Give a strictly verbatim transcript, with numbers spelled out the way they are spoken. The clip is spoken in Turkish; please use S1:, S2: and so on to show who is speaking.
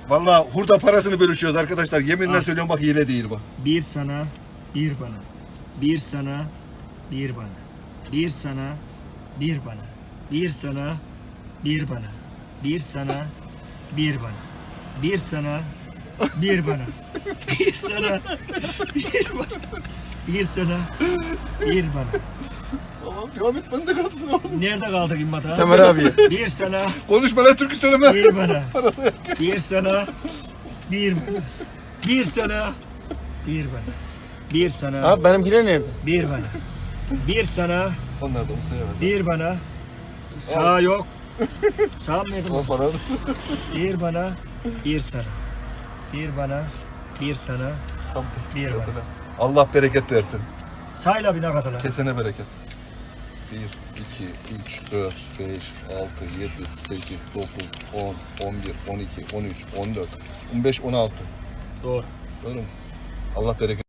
S1: Vallahi hurda parasını bölüşüyoruz arkadaşlar. Yeminle
S2: Al.
S1: söylüyorum bak hile değil bu.
S2: Bir sana, bir bana. Bir sana, bir bana. Bir sana, bir bana. Bir sana, bir bana. Bir sana, bir bana. Bir sana, bir bana. Bir sana, bir bana. Bir sana, bir bana.
S1: Tamam devam et, ben de kalsın oğlum.
S2: Nerede kaldı İmmata?
S3: Semer abi.
S2: Bir sana,
S1: Konuşma lan, türkü söyleme.
S2: bir bana. Bir sana, bir bana. Bir sana, bir bana. Bir sana,
S3: Abi benimkiler nerede?
S2: bir bana. Bir sana,
S1: Onlar da onu sevmez.
S2: bir bana. Sağ yok. Sağ mı nerede?
S1: O para.
S2: Bir bana, bir sana. Bir bana, bir sana. Bir bana.
S1: Allah bereket versin.
S2: Sayla bir ne kadar lan?
S1: Kesene bereket. bir, iki, üç, dört, beş, altı, yedi, sekiz, dokuz, on, on bir, on iki, on üç, on dört, on beş, on altı.
S2: Doğru.
S1: Doğru mu? Allah bereket